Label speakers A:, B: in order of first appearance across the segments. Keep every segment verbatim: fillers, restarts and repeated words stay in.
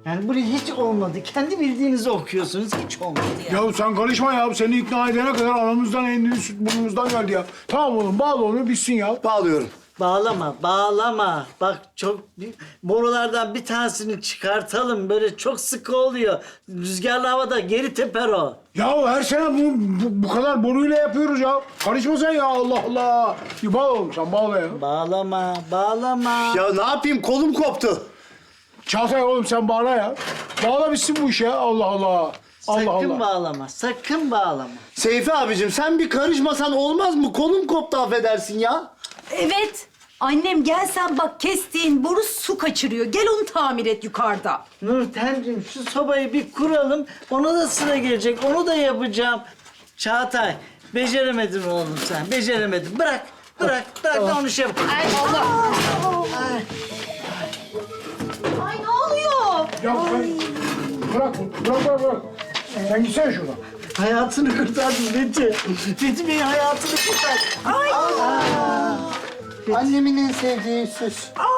A: Yani buraya hiç olmadı. Kendi bildiğinizi okuyorsunuz. Hiç olmadı ya.
B: Ya sen karışma ya. Seni ikna edene kadar anamızdan emdiğin süt burnumuzdan geldi ya. Tamam oğlum bağla onu bitsin ya.
C: Bağlıyorum.
A: Bağlama, bağlama. Bak çok bir- borulardan bir tanesini çıkartalım. Böyle çok sıkı oluyor. Rüzgarlı havada geri teper o.
B: Ya her sene bu, bu, bu kadar boruyla yapıyoruz ya. Karışma sen ya Allah Allah. Bir bağla oğlum sen bağla ya.
A: Bağlama, bağlama.
C: Ya ne yapayım kolum koptu.
B: Çağatay oğlum sen bağla ya. Bağla bitsin bu iş ya Allah Allah. Allah
A: sakın
B: Allah.
A: bağlama, sakın bağlama.
C: Seyfi abicim sen bir karışmasan olmaz mı? Kolum koptu affedersin ya.
D: Evet. Annem gel sen bak kestiğin boru su kaçırıyor. Gel onu tamir et yukarıda.
A: Nurten'cim şu sobayı bir kuralım. Ona da sıra gelecek. Onu da yapacağım. Çağatay, beceremedin oğlum sen. Beceremedin. Bırak, bırak, bırak da onu şey yap. Ay Allah. Ay.
D: Ay ne oluyor?
B: Ya sen bırak bunu. Bırak bırak bırak. Sen gitsene şuradan.
A: Hayatını kurtardın Fethi. Fethi Bey'in hayatını kurtardın.
D: Ay.
C: Annemin en sevdiği süs.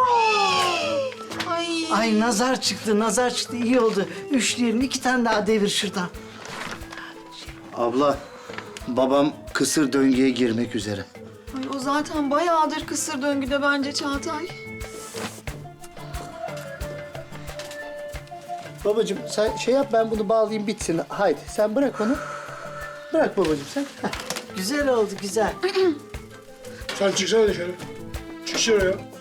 D: Ay.
A: Ay nazar çıktı, nazar çıktı. İyi oldu. Üçleyelim. iki tane daha devir şuradan.
C: Abla babam kısır döngüye girmek üzere.
E: Ay, o zaten bayağıdır kısır döngüde bence Çağatay.
C: Babacığım sen şey yap ben bunu bağlayayım bitsin. Haydi sen bırak onu. Bırak babacığım sen. Heh.
A: Güzel oldu, güzel.
B: Sen çıksana dışarı. Çık dışarı ya.